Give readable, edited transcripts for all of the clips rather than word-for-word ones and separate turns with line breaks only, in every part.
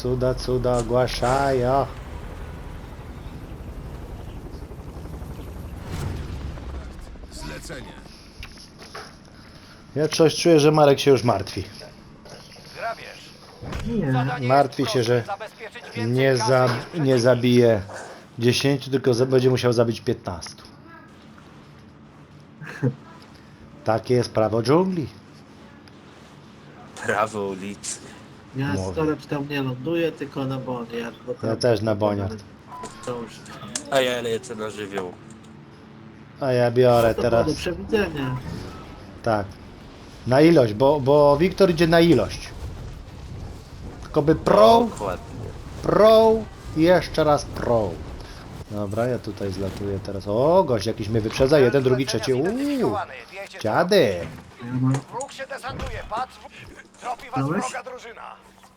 cuda ogłaszają.
Zlecenie.
Ja coś czuję, że Marek się już martwi.
Grabież.
Nie.
Zadanie
Martwi
jest
się,
proste.
że
Zabezpieczyć więcej kasy niż
nie
przeciwnik.
zabije 10, tylko będzie musiał zabić 15. Takie jest prawo dżungli.
Prawo ulicy.
Ja
Mówię.
storage tam nie ląduję, tylko na bonie.
Ja też na boniach.
A ja lecę na żywioł.
A ja biorę
To
teraz.
do przewidzenia.
Tak. Na ilość, bo Wiktor idzie na ilość. Tylko by
Dokładnie.
pro i jeszcze raz pro. Dobra, ja tutaj zlatuję teraz. O, gość jakiś mnie wyprzedza. Jeden, drugi, trzeci.
Zidentyfikowany. Wiecie, co
Dziady.
Ja mam...
Wróg się desantuje. Patrz. Tropi was
Dałeś?
wroga drużyna.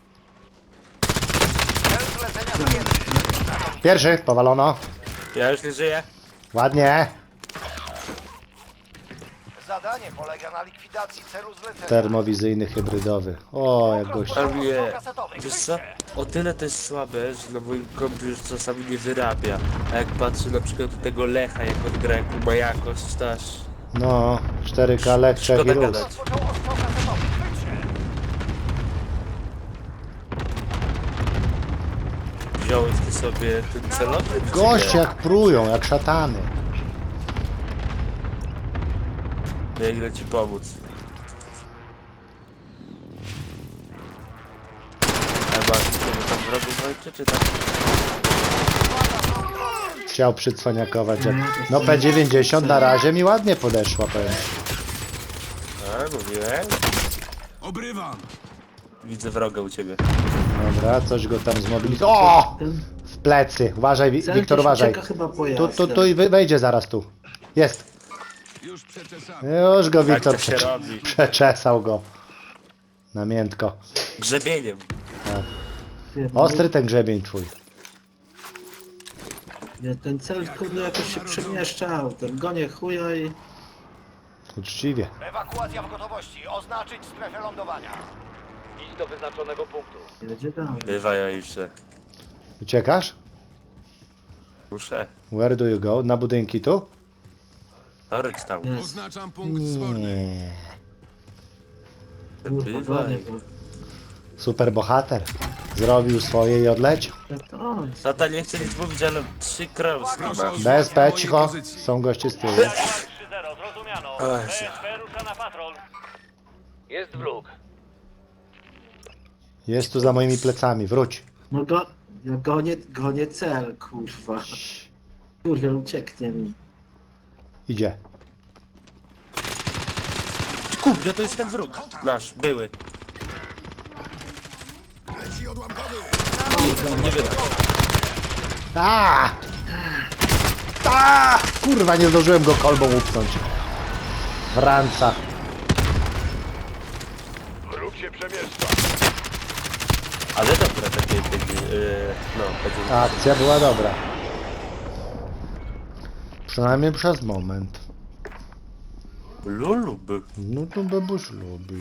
Cel zlecenia dopięty.
Pierwszy, powalono.
Ja już nie żyję.
Ładnie.
Zadanie polega na likwidacji celu zlecenia.
Termowizyjny, hybrydowy. O, jak gość.
A mnie, wiesz co? O tyle to jest słabe, że na moim kompie już czasami nie wyrabia. A jak patrzę na przykład do tego Lecha, jak on gra, jaką ma jakość, to aż
No, 4K lek, Czech i
szkoda
Rus.
gadać.
Rozpoczął ostrzał kasetowy. Chwyćcie.
Wziąłeś ty sobie ten celowy? czy
Goście
nie?
jak prują, jak szatany.
Biegnę ci pomóc. A masz sobie tam wrogów walczy, czy tak?
Chciał przycwaniakować. No P90 na razie mi ładnie podeszła, powiem.
A, mówiłem.
Obrywam.
Widzę wroga u ciebie.
Dobra, coś go tam zmobilizował. O!
Ten
W plecy. Uważaj, Wiktor, uważaj.
ucieka chyba pojazdem.
Tu i wejdzie zaraz tu. Jest.
Już przeczesany.
Już go
Tak
Wiktor
to się robi.
przeczesał go. Na miętko.
Grzebieniem.
Ostry ten grzebień twój.
Nie, ten cel kurde jakoś się przemieszczał. Ten gonie chuja i...
Uczciwie.
Ewakuacja w gotowości. Oznaczyć strefę lądowania. Idź do wyznaczonego punktu.
Jedzie dalej.
Bywa jeszcze.
Uciekasz?
Muszę.
Where do you go? Na budynki tu?
Torek tam.
Jest.
Oznaczam punkt zworny.
Nie.
Kurwa, gonie,
Bywaj.
bo...
Super bohater. Zrobił swoje i odleciał.
Jak to on?
Tata nie chce nic mówić, ale 3 krauski
Proszę
ma.
o
Bez P,
mojej
cicho.
pozycji.
Są goście z tyłu.
3-0, zrozumiano.
Oj.
BSP rusza na patrol. Jest wróg.
Jest tu za moimi plecami. Wróć.
No go... Ja gonię cel, kurwa. Kurwa, ucieknie mi.
Idzie.
Kurde, to jest ten wróg. Nasz, były. Nie wyda.
A! A! Kurwa, nie zdążyłem go kolbą upchnąć. Franca.
Wróg się przemieszcza.
Ale dobre takie, no, będzie.
Ta akcja była dobra. Przynajmniej przez moment.
Lulu by.
No to babusz lubi.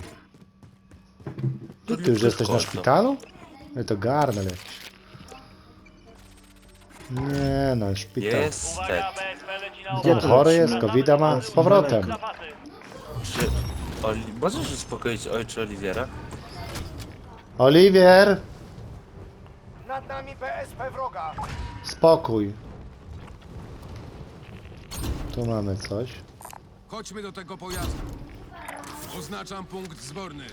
To
Ty już jesteś na szpitalu? No to garnel jakiś. Nie no, szpital.
Jest.
BSP leci na
Gdzie
On
to
chory
leci?
jest, covida ma z powrotem.
zapasy.
Czy możesz uspokoić ojcze Oliwiera?
Oliwier!
Nad nami BSP wroga.
Spokój. Tu mamy coś.
Chodźmy do tego pojazdu. Oznaczam punkt zworny.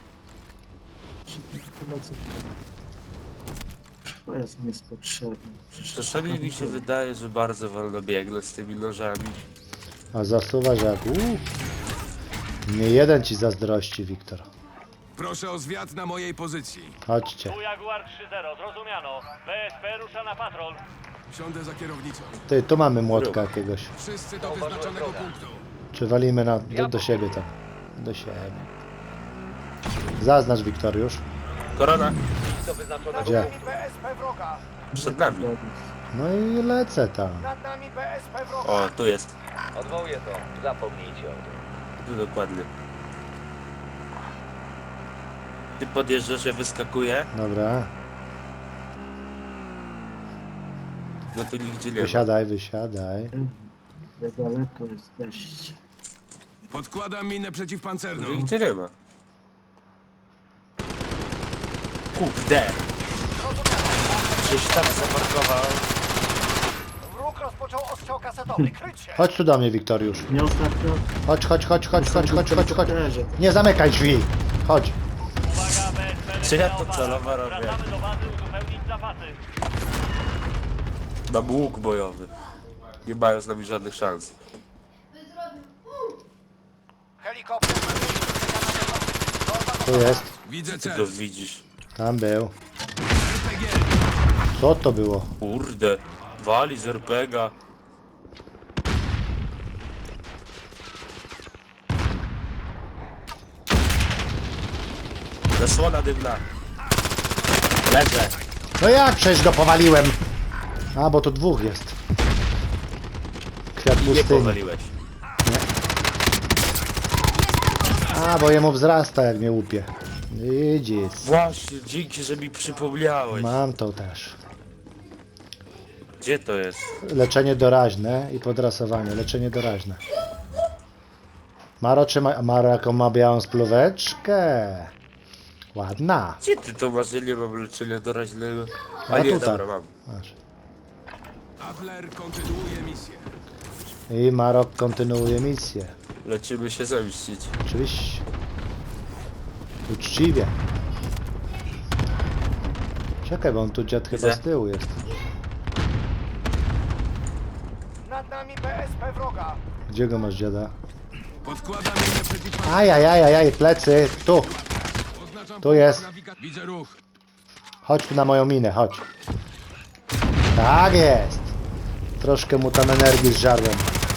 Pojazd mi jest potrzebny.
Czasami mi się wydaje, że bardzo wolno biegnę z tymi nożami.
A zasuwasz jak Nie jeden ci zazdrości, Wiktor.
Proszę o zwiat na mojej pozycji.
Chodźcie.
Tu Jaguar 3-0, zrozumiano. BSP rusza na patrol.
Siądę za kierownicą.
Ty, tu mamy młotka jakiegoś.
Wszyscy do wyznaczonego punktu.
Czy walimy do siebie tam? Do siebie. Zaznacz, Wiktoriusz.
Korona,
Gdzie?
Nad nami BSP wroga.
przed nami.
No i lecę tam.
Nad nami BSP wroga.
O, tu jest.
Odwołuję to. Zapomnijcie o tym.
Tu dokładnie. Ty podjeżdżasz, ja wyskakuję.
Dobra.
No to nigdzie nie ma.
Wysiadaj, wysiadaj.
Jak daleko jesteście.
Podkładam minę przeciwpancerną.
Nigdzie nie ma. Kurde! Gdzieś tam zaparkował.
Wróg rozpoczął ostrzał kasetowy. Kryć się!
Chodź tu do mnie, Wiktoriusz.
Nie ostatnio...
Chodź, chodź, chodź, chodź, chodź, chodź, chodź, chodź.
Leży.
Nie zamykaj drzwi. Chodź.
Czy ja to celowo robię? Mam łuk bojowy. Nie mają z nami żadnych szans.
Helikopter...
Tu jest.
Widzę
Ty
cel.
go widzisz.
Tam był.
RPG.
Co to było?
Kurde. Wali z RPGa. Zasłona dymna. Leżę.
No jak przecież go powaliłem? A, bo tu dwóch jest. Kwiat
Nie
pustyni.
powaliłeś.
A, bo jemu wzrasta jak mnie łupie. Widzisz.
Właśnie, dzięki, że mi przypomniałeś.
Mam to też.
Gdzie to jest?
Leczenie doraźne i podrasowanie. Leczenie doraźne. Maro trzyma... Maro jaką ma białą spluweczkę. Ładna.
Gdzie ty to masz? Ja nie mam leczenia doraźnego.
A
A nie,
tutaj.
dobra, mam.
Masz.
Adler kontynuuje misję.
I Marok kontynuuje misję.
Lecimy się zemścić.
Oczywiście. Uczciwie. Czekaj, bo on tu dziad chyba
Widzę.
z tyłu jest.
Nad nami BSP wroga.
Gdzie go masz, dziada?
Podkładam minę przeciwpancerną.
Ajajajajaj, plecy. Tu.
Oznaczam
Tu jest.
Widzę ruch.
Chodź tu na moją minę, chodź. Tak jest. Troszkę mu tam energii zżarłem.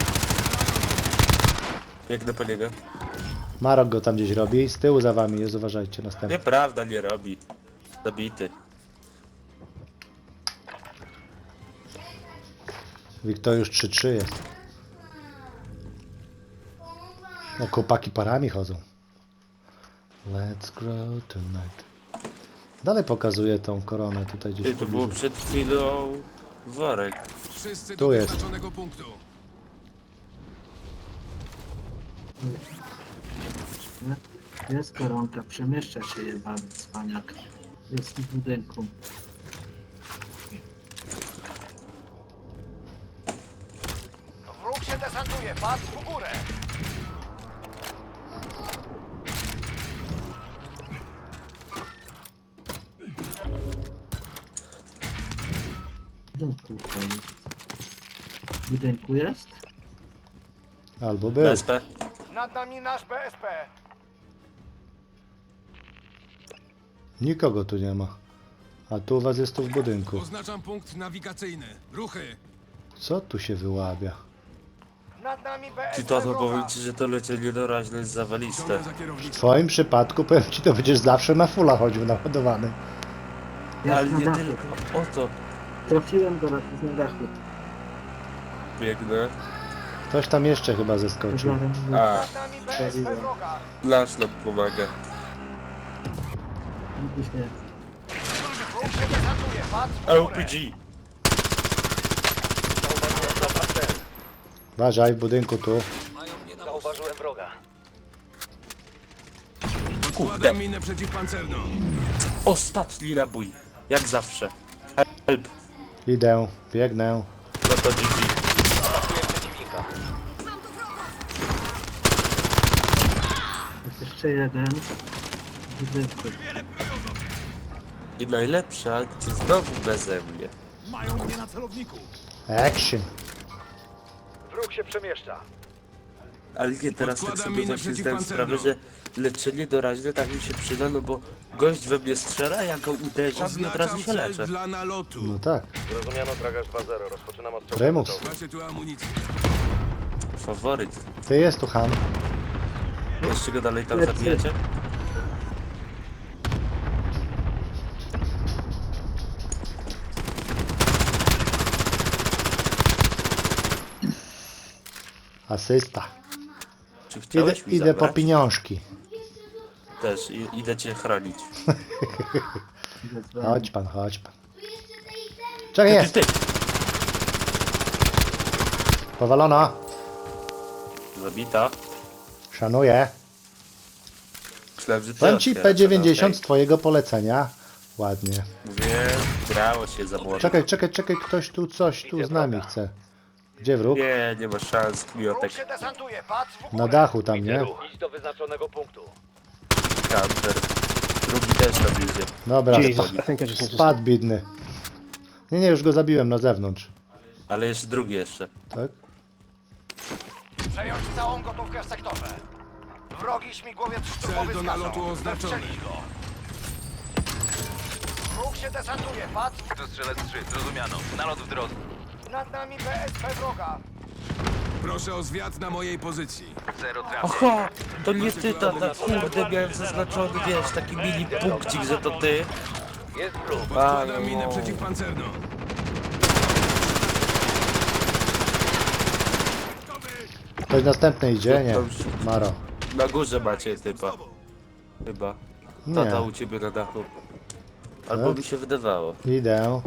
Jak do paniego?
Marok go tam gdzieś robi. Z tyłu za wami jest, uważajcie, następny.
Nieprawda, nie robi. Zabity.
Wiktor już 3-3 jest. No chłopaki parami chodzą. Let's grow tonight. Dalej pokazuje tą koronę tutaj gdzieś
Ty,
w
to było
pobliżu.
przed chwilą worek.
Wszyscy
Tu
do
jest.
wyznaczonego punktu.
Jest koronka, przemieszcza się jebany cwaniak. Jest w budynku.
Wróg się desantuje. Patrz w górę.
W budynku jest. W budynku jest?
Albo był.
BSP.
Nad nami nasz BSP.
Nikogo tu nie ma. A tu u was jest tu w budynku.
Oznaczam punkt nawigacyjny. Ruchy.
Co tu się wyłabia?
Nad nami BSP
Ty to
wroga.
powiem ci, że to leczenie doraźne jest zawaliste.
Ciągnę za
W
kierownicą.
twoim przypadku powiem ci, to będziesz zawsze na fulla chodził naładowany.
Jest
Ale
na
nie
dachu.
tylko. O to
Trafiłem go na dachu.
biegnę.
Ktoś tam jeszcze chyba zeskoczył.
A,
Nad nami BSP wroga.
nasz nam pomaga.
Widzisz mnie.
Wróg się desantuje. Patrz w górę.
LPG.
Uważaj, w budynku tu.
Zauważyłem wroga.
Podkładam minę przeciwpancerną.
Ostatni nabój. Jak zawsze. Help.
Idę, biegnę.
No to GG.
Atakuję przeciwnika.
Jest jeszcze jeden. W budynku.
I najlepsza akcja znowu beze mnie.
Mają mnie na celowniku.
Action.
Wróg się przemieszcza.
Ale nie, teraz tak
Podkładam
sobie
minę
właśnie zdałem
przeciwpancerną.
sprawę, że leczenie doraźne tak mi się przyda, no bo gość we mnie strzela, ja go uderzam i od razu
Oznaczam
się
cel
leczę.
dla nalotu.
No tak.
Zrozumiano, Tragarz 2-0. Rozpoczynam ostrzał.
Prymus.
Macie tu amunicję.
Faworyt.
Ty jest tu Han.
Jeszcze go dalej tam
Lecę.
zabijacie?
Asysta.
Czy
Idę,
chciałeś mi
idę po
zabrać?
pieniążki.
Też, idę cię chronić.
Idę z wami.
Chodź pan, chodź pan. Czekaj, jest!
Ty.
Powalona.
Zabita.
Szanuję.
Myślałem, że ty
Powiem ci
otwierasz,
P90
ale
z twojego polecenia. Ładnie.
mówię, grało się za młodo.
Czekaj, ktoś tu coś tu z nami chce. Gdzie wróg?
Nie ma szans,
Wróg
Miotek,
się desantuje, patrz w
Na
górę.
dachu tam, nie?
Idź do wyznaczonego punktu.
Counter. Drugi też tam idzie.
Dobra,
Jesus, I think I just need to
spadł bidny. Nie, już go zabiłem na zewnątrz.
Ale jest drugi jeszcze.
Tak?
Przejąć całą gotówkę w sektorze. Wrogi śmigłowiec szturmowy
Cel do
zgasą.
nalotu oznaczony.
Zestrzelić go. Wróg się desantuje, patrz.
To strzelec 3, zrozumiano. Nalot w drodze.
Nad nami BSP wroga.
Proszę o zwiat na mojej pozycji.
Zero trafień.
Oho, to nie ty, tata, kurde, miałem zaznaczony, wiesz, taki mini punkcik, że to ty.
Jest wróg.
Podkładam minę przeciwpancerną.
Ktoś następny idzie? Nie. Maro.
Na górze macie typa. Chyba. Tata
Nie.
u ciebie na dachu. Albo
Tak?
mi się wydawało.
Idę.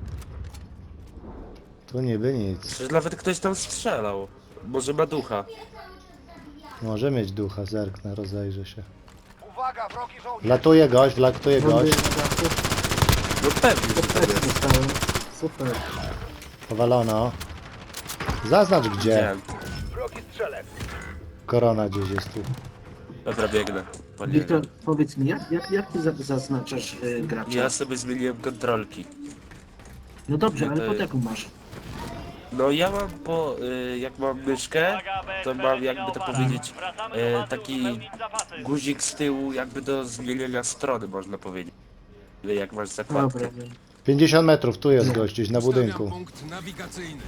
Tu niby nic.
Przecież nawet ktoś tam strzelał. Może ma ducha.
Może mieć ducha, zerknę, rozejrzę się.
Uwaga, wrogi żołnierz.
Wlatuje gość, wlatuje
Bomby
gość.
na dachu.
No pewnie, że tak
Tak
jest.
dostałem. Super.
Powalono. Zaznacz gdzie.
Widziałem.
Wrogi strzelec.
Korona gdzieś jest tu.
Dobra, biegnę. Panie.
Wiktor, powiedz mi, jak ty zaznaczasz gracza?
Ja sobie zmieniłem kontrolki.
No dobrze,
Nie,
ale
to
pod
jest-
jaką masz?
No ja mam po, jak mam myszkę, to mam jakby to powiedzieć, taki guzik z tyłu jakby do zmienienia strony można powiedzieć. Jak masz zakładkę.
Dobra, wiem.
50 metrów, tu jest gość, gdzieś na
Ustawiam
budynku.
punkt nawigacyjny.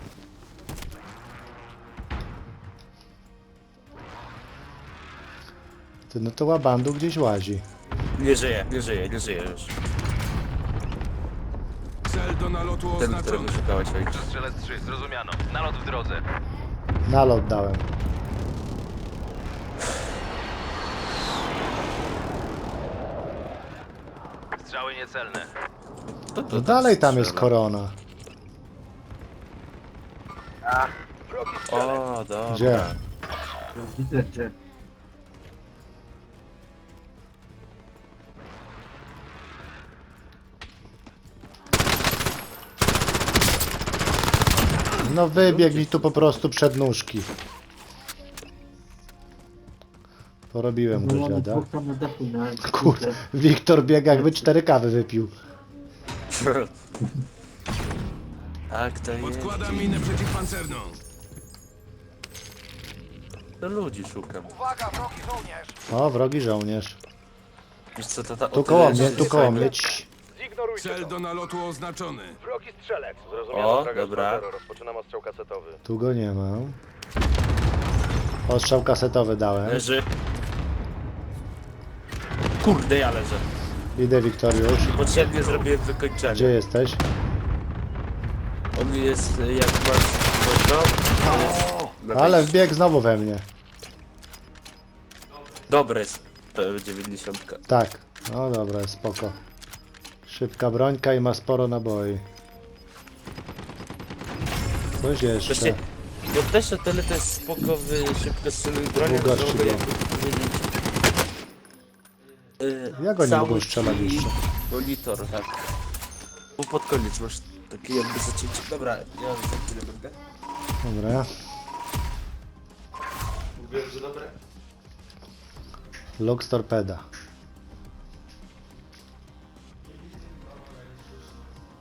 Ty, no to łabandu gdzieś łazi.
Nie żyje już.
Cel do nalotu
Ten,
oznaczony.
którego szukałeś, ojcze.
To strzelec 3, zrozumiano. Nalot w drodze.
Nalot dałem.
Strzały niecelne.
To
No dalej tam jest
strzela.
korona.
O, dobra.
Gdzie?
Widzę, że
No wybiegł mi tu po prostu przed nóżki. Porobiłem
no,
go
mamy
dziada.
dwóch tam na dachu na
Kurde, Wiktor biega jakby 4 kawy wypił.
Tak, to jest.
Podkładam minę przeciwpancerną.
To ludzi szukam.
Uwaga, wrogi żołnierz.
O, wrogi żołnierz.
Wiesz co, tata,
Tu
o
koło
tyle,
mnie,
że
tu koło
fajnie.
mnie. Cii.
Zignorujcie
Cel
to.
do nalotu oznaczony.
Wrogi strzelec.
O, dobra.
Rozpoczynam ostrzał kasetowy.
Tu go nie mam. Ostrzał kasetowy dałem.
Leży. Kurde, ja leżę.
Idę, Wiktoriusz.
Potrzebnie zrobiłem wykończenie.
Gdzie jesteś?
On jest jak masz no,
Ale wbiegł znowu we mnie.
Dobre jest P90.
Tak. No dobra, spoko. Szybka brońka i ma sporo naboi. Coś jeszcze.
Właśnie, no też o tyle to jest spoko w szybko strzeluj bronią,
Długo
że mogę
strzelam.
jakby powiedzieć...
Jak oni
cały
mogą strzelać
ci
jeszcze?
monitor, tak. Bo pod koniec masz takie jakby zacięcie. Dobra, ja za chwilę będę.
Dobra.
Mówiłem, że dobre.
Lux torpeda.